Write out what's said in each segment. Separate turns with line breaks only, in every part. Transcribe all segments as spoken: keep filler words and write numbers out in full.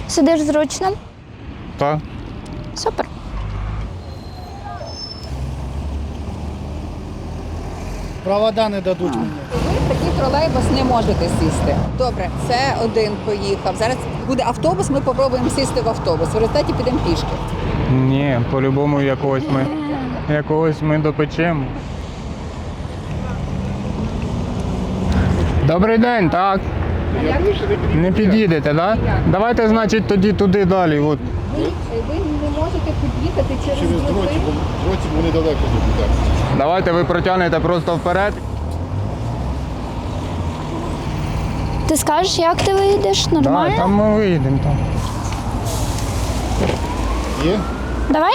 Сидиш зручно?
Так.
Супер.
Провода не дадуть мені.
Ви в такий тролейбус не можете сісти. Добре, це один поїхав. Зараз буде автобус, ми спробуємо сісти в автобус. В результаті підемо пішки.
Ні, по-любому якогось ми, якогось ми допечемо. Добрий день, так? Не під'їдете, так? Давайте, значить, тоді туди далі. От.
Ви, ви не можете під'їхати через,
Через
дроти.
дротик, бо дротик вони далеко будуть.
Давайте ви протягнете просто вперед.
Ти скажеш, як ти виїдеш? Нормально?
Так, там ми виїдемо. Там.
Є?
Давай?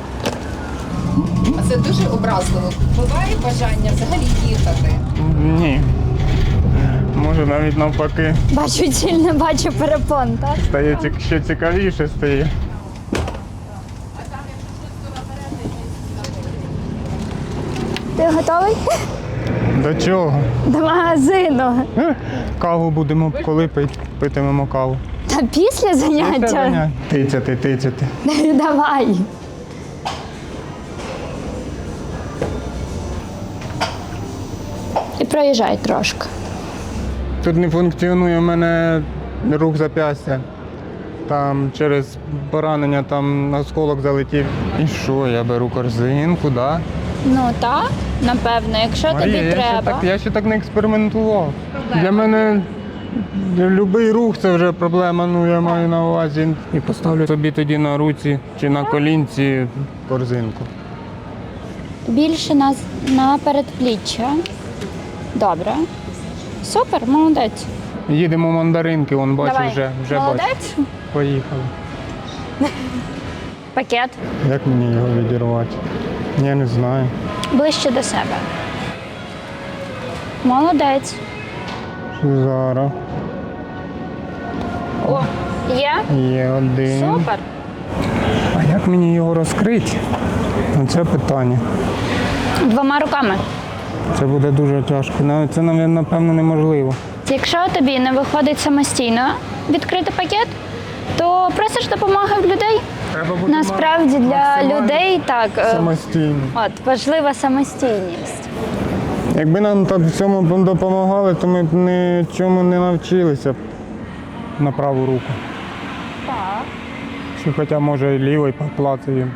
А це дуже образливо. Буває бажання взагалі їхати.
Ні. Може навіть навпаки.
Бачу ціль, не бачу перепон, так?
Стає ці- ще цікавіше стає.
Ти готовий?
До чого?
До магазину.
Е, Каву будемо коли пити, питимемо каву.
Та після заняття?
Тицяти, тицяти.
Давай. І проїжджай трошки.
Тут не функціонує в мене рух зап'ястя. Там через поранення там осколок залетів. І що, я беру корзинку, да?
Ну так, напевно, якщо
Марія,
тобі
я ще,
треба.
так, я ще так не експериментував. Для мене будь-який рух це вже проблема, ну я маю на увазі. І поставлю собі тоді на руці чи на колінці корзинку.
Більше на, на передпліччя. Добре. Супер, молодець.
Їдемо в мандаринки, вон бачу
Давай.
вже, вже бачу.
Молодець.
Поїхали.
Пакет
Як мені його відірвати? Я не знаю.
ближче до себе. Молодець.
Зараз.
О, є?
Є один.
Супер.
А як мені його розкрити? Це питання.
Двома руками.
Це буде дуже тяжко. Навіть це, напевно, неможливо.
Якщо тобі не виходить самостійно відкрити пакет, то просиш допомоги в людей.
Треба бути
Насправді для
максимально
людей так е,
самостійно.
от, важлива самостійність.
Якби нам так в цьому допомагали, то ми б нічому не навчилися б на праву руку.
Так.
Чи хоча, може, і лівий поплацаю.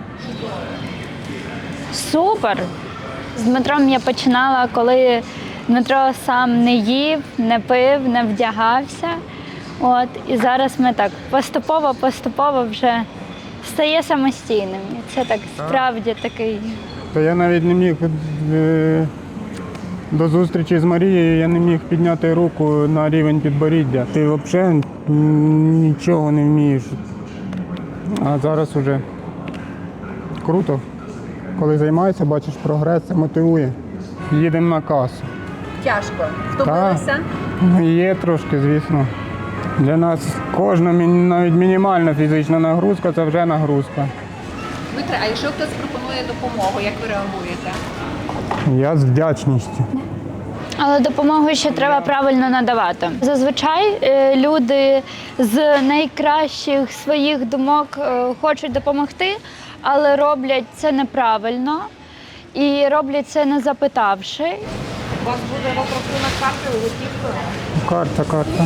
Супер! З Дмитром я починала, коли Дмитро сам не їв, не пив, не вдягався. От, і зараз ми так поступово-поступово вже стає самостійним. І це так справді такий.
Та я навіть не міг е, до зустрічі з Марією, я не міг підняти руку на рівень підборіддя. Ти взагалі нічого не вмієш. А зараз вже круто. Коли займаєшся, бачиш прогрес, це мотивує. Їдемо на касу.
Тяжко. Втомилися?
Є трошки, звісно. Для нас кожна мі- навіть мінімальна фізична нагрузка це вже нагрузка.
Дмитре, а якщо хтось пропонує допомогу, як ви реагуєте?
Я з вдячністю.
Але допомогу ще треба правильно надавати. Зазвичай е, люди з найкращих своїх думок е, хочуть допомогти, але роблять це неправильно і роблять це не запитавши.
У вас буде розрахунок карти готівкою?
Карта, карта.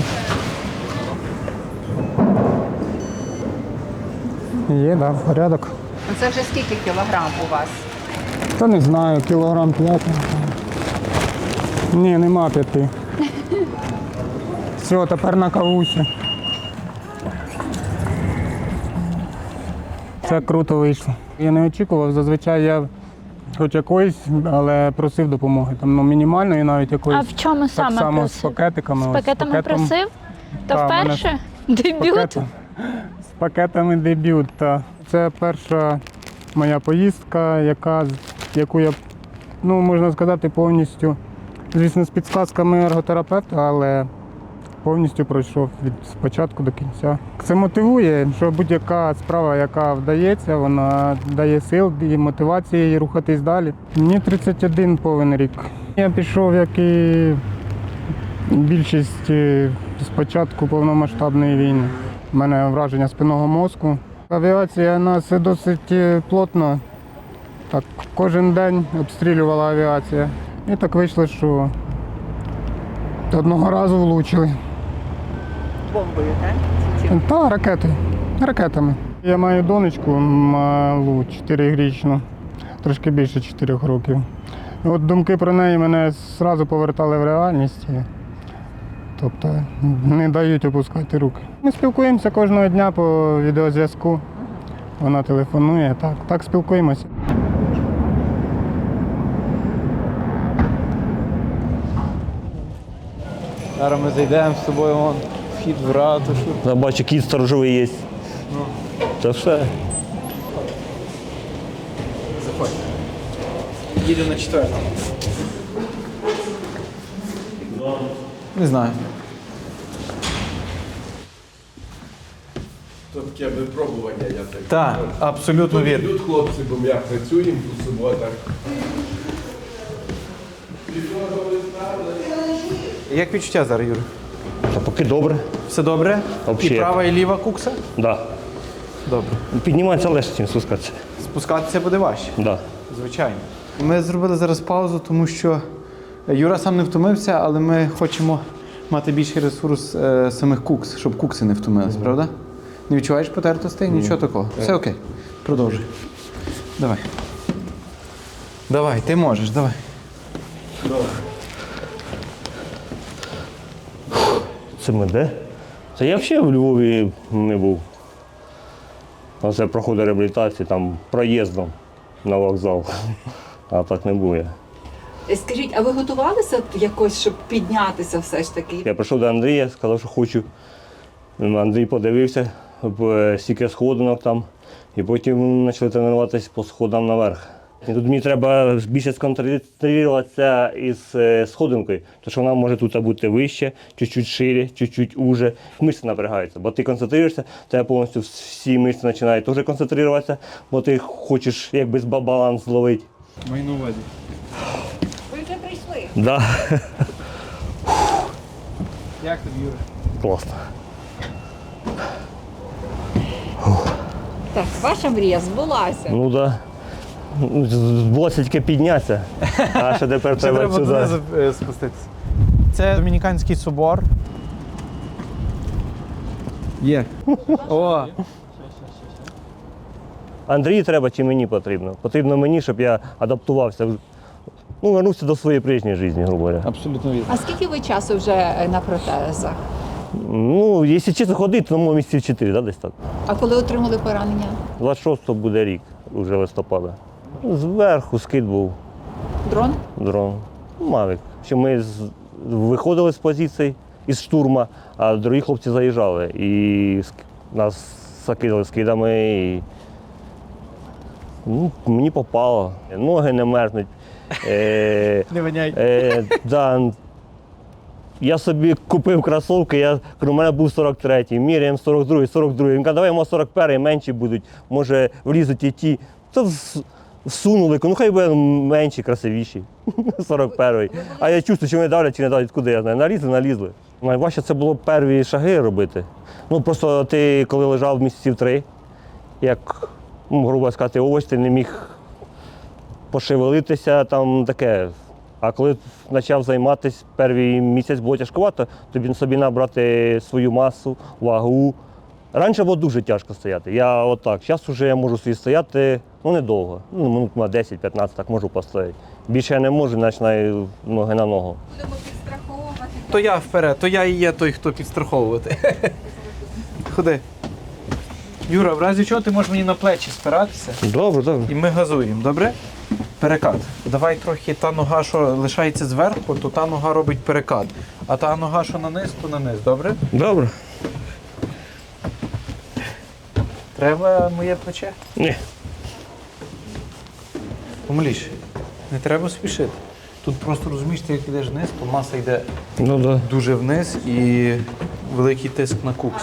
Є, так, да, порядок.
Ну, це вже скільки кілограм у вас?
Та не знаю, кілограм п'ять. Ні, нема п'яти. Все, тепер на кавусі. Це круто вийшло. Я не очікував, зазвичай я хоч якоїсь, але просив допомоги. Там, ну, мінімальної навіть
А
якоїсь.
в чому
Так
саме
само
просив?
з пакетиками.
З
ось,
пакетами
пакетом.
просив? То
Та, в мене
вперше?
З
Дебют?
пакетом. З пакетами дебют. Та. Це перша моя поїздка, яка, яку я, ну, можна сказати, повністю, звісно, з підсказками ерготерапевта, але повністю пройшов від спочатку до кінця. Це мотивує, що будь-яка справа, яка вдається, вона дає сил і мотивації рухатись далі. Мені тридцять один повен рік. Я пішов, як і більшість, з початку повномасштабної війни. У мене враження спинного мозку. Авіація нас досить плотно. Так, кожен день обстрілювала авіація. І так вийшло, що одного разу влучили.
Бомбою, так?
Та ракети. Ракетами. Я маю донечку малу, чотирирічну, трошки більше чотирьох років. От думки про неї мене одразу повертали в реальність. Тобто не дають опускати руки. Ми спілкуємося кожного дня по відеозв'язку. Вона телефонує, так, так спілкуємося.
Зараз ми зайдемо з тобою, вон, вхід в ратушу.
Я бачу, кіт сторожовий є. Ну. Та все.
Заходь. Їду на четвертому. Не знаю.
То таке випробування, я так.
Так, абсолютно вірно.
Тут хлопці, бо ми працюємо по суботах.
Як відчуття зараз, Юр?
Та поки добре.
Все добре?
Вообще.
І права, і ліва кукса?
Да.
Добре.
Підніматися легше, ніж спускатися.
Спускатися буде важче.
Да.
Звичайно. Ми зробили зараз паузу, тому що Юра сам не втомився, але ми хочемо мати більший ресурс е, самих кукс, щоб кукси не втомились, правда? Не відчуваєш потертостей? Нічого такого. Все окей. Продовжуй. Давай. Давай, ти можеш, давай.
Це ми де? Це я взагалі в Львові не був. Оце проходить реабілітацію, там проїздом на вокзал. А так не був я.
Скажіть, а ви готувалися якось, щоб піднятися все ж таки?
Я прийшов до Андрія, сказав, що хочу. Андрій подивився, стільки сходинок там, і потім почали тренуватися по сходам наверх. І тут мені треба більше сконцентруватися із сходинкою, тому що вона може тут бути вище, чуть-чуть шире, чуть-чуть уже. Мишці напрягаються, бо ти концентруєшся, тебе повністю всі мишці починають теж концентруватися, бо ти хочеш якби баланс зловити.
Маю на увазі.
Ви вже прийшли.
Да.
Як тобі, Юра?
Класно.
Так, ваша мрія збулася.
Ну так. Да. Збулося тільки піднятися, а ще тепер
Ще
треба
треба
сюди.
донизу е, спуститися. Це Домініканський собор. Є. О!
Андрію треба чи мені потрібно? Потрібно мені, щоб я адаптувався, ну, вернувся до своєї прежньої життя, грубо говоря.
Абсолютно вірно.
А скільки ви часу вже е, на протезах?
Ну, якщо чесно ходити, то може місяців чотири, да, десь так.
А коли отримали поранення?
двадцять шостого буде рік, вже листопада. Зверху скид був
Дрон?
дрон. Мавік. Що ми з... виходили з позицій із штурма, а другі хлопці заїжджали. І ск- нас закидали скидами. І... Ну, мені попало. Ноги не мерзнуть. Е...
Не воняй.
Е, да. Я собі купив кросівки, я, у мене був сорок третій, міряємо сорок другий, сорок другий. Він каже, давай, може, сорок перший, менші будуть, може влізуть і ті. То вс- всунули, ну хай буде менші, красивіші, сорок перший. А я чувствую, чи вони давлять, чи не давлять, куди я знаю. Налізли, налізли. Найважче це було перві шаги робити. Ну просто ти, коли лежав місяців три, як, ну, грубо сказати, овоч, ти не міг пошевелитися, там таке. А коли почав займатися, перший місяць було тяжкувато, тобі собі набрати свою масу, вагу. Раніше було дуже тяжко стояти. Я отак. Зараз вже я можу собі стояти, ну недовго. Ну, минут на десять-п'ятнадцять так можу постояти. Більше я не можу, починаю ноги на ногу.
Будемо підстраховувати.
То я вперед, то я і є той, хто підстраховувати. Ходи. Юра, в разі чого ти можеш мені на плечі спиратися,
Добре, добре.
і ми газуємо, добре? Перекат. Давай трохи та нога, що лишається зверху, то та нога робить перекат. А та нога, що на низ, то на низ, добре?
Добре.
Треба моє плече?
Ні.
Помиліше. Не треба спішити. Тут просто розумієш, ти як йдеш вниз, то маса йде
Ну да.
дуже вниз і великий тиск на кукс.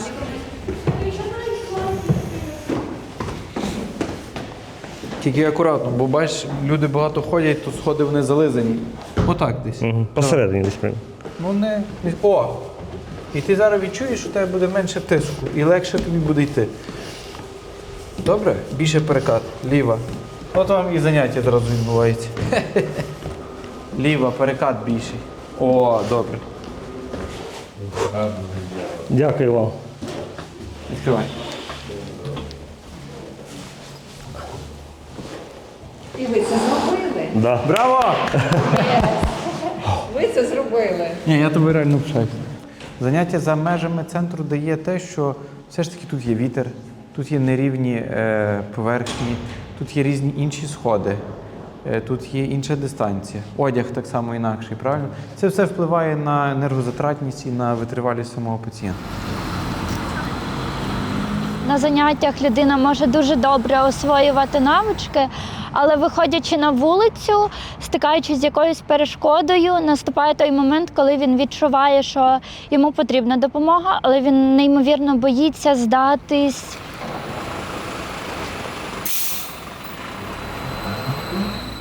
Тільки акуратно, бо бачиш, люди багато ходять, то сходи вони зализані. Отак десь.
Угу. Посередині десь прямо.
Ну не. не- О! І ти зараз відчуєш, що у тебе буде менше тиску і легше тобі буде йти. Добре? Більше перекат. Ліва. От вам і заняття одразу відбувається. Ліва, перекат більший. О, добре.
Дякую вам.
Відкривай.
І ви це зробили?
Да.
Браво!
Ви це зробили.
Ні, я тобі реально пишаюся. Заняття за межами центру дає те, що все ж таки тут є вітер, тут є нерівні е, поверхні, тут є різні інші сходи, е, тут є інша дистанція. Одяг так само інакший, правильно? Це все впливає на енергозатратність і на витривалість самого пацієнта.
На заняттях людина може дуже добре освоювати навички, але виходячи на вулицю, стикаючись з якоюсь перешкодою, наступає той момент, коли він відчуває, що йому потрібна допомога, але він неймовірно боїться здатись.